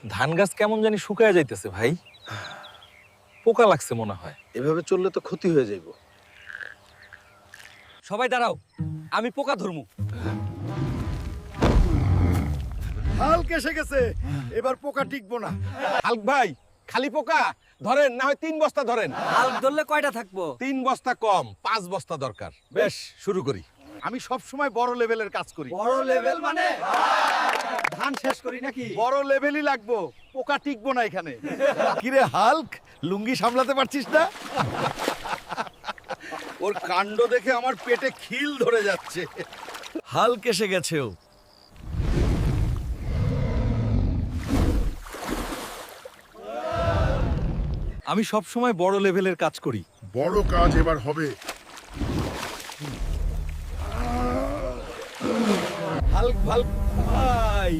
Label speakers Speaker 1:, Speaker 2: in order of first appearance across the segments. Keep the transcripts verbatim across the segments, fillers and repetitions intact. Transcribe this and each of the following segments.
Speaker 1: ধান গাছ কেমন জানি শুকায় যাইতেছে ভাই, পোকা লাগছে মনে হয়।
Speaker 2: এভাবে চললে তো ক্ষতি হয়ে যাইব।
Speaker 3: সবাই দাঁড়াও, আমি পোকা ধরমু।
Speaker 2: হাল কেসে গেছে, এবার পোকা টিকবো না।
Speaker 4: হালক ভাই, খালি পোকা ধরেন, না হয় তিন বস্তা ধরেন।
Speaker 3: হাল্ক ধরলে কয়টা থাকবো?
Speaker 4: তিন বস্তা কম, পাঁচ বস্তা দরকার। বেশ, শুরু করি।
Speaker 2: আমি সব সময় বড় লেভেলের কাজ করি।
Speaker 3: বড় লেভেল মানে ধান শেষ করি নাকি?
Speaker 2: বড় লেভেলই লাগবো, পোকা টিকবো না এখানে। কিরে হাল্ক, লুঙ্গি সামলাতে পারছিস না? ওর কাণ্ড দেখে আমার পেটে খিল ধরে যাচ্ছে। হাল্ক এসে গেছে ও।
Speaker 1: আমি সব সময় বড় লেভেলের কাজ করি।
Speaker 5: বড় কাজ এবার হবে।
Speaker 2: হাল্ক হাল্ক ভাই,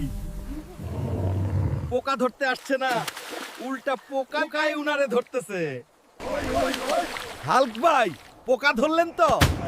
Speaker 2: পোকা ধরতে আসছে না, উল্টা পোকা কাই উনারে ধরতেছে। হাল্ক ভাই, পোকা ধরলেন তো?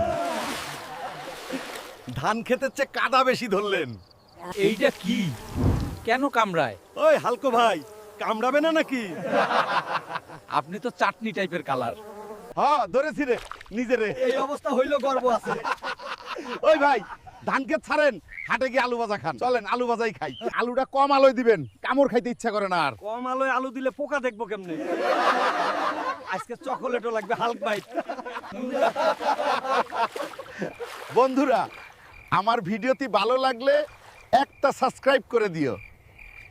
Speaker 2: ধান খেতের চেয়ে কাদা বেশি ধরলেন।
Speaker 3: এইটা কি? কেন কামড়ায়?
Speaker 2: ওই হালকো ভাই, কামড়াবে না নাকি?
Speaker 3: আপনি তো চাটনি টাইপের কালার।
Speaker 2: হ্যাঁ ধরেছি রে, নিজে রে।
Speaker 3: এই অবস্থা হইলো গর্ব আছে।
Speaker 2: ওই ভাই, ধান ক্ষেত ছাড়েন, হাটে গিয়ে আলু ভাজা খান। চলেন আলু ভাজাই খাই। আলুটা কম আলোয় দিবেন, কামড় খাইতে ইচ্ছা করে না আর।
Speaker 3: কম আলোয় আলু দিলে পোকা দেখবো কেমনে? আজকে চকোলেটও লাগবে হাল্ক ভাই।
Speaker 2: বন্ধুরা, আমার ভিডিওটি ভালো লাগলে একটা সাবস্ক্রাইব করে দিও।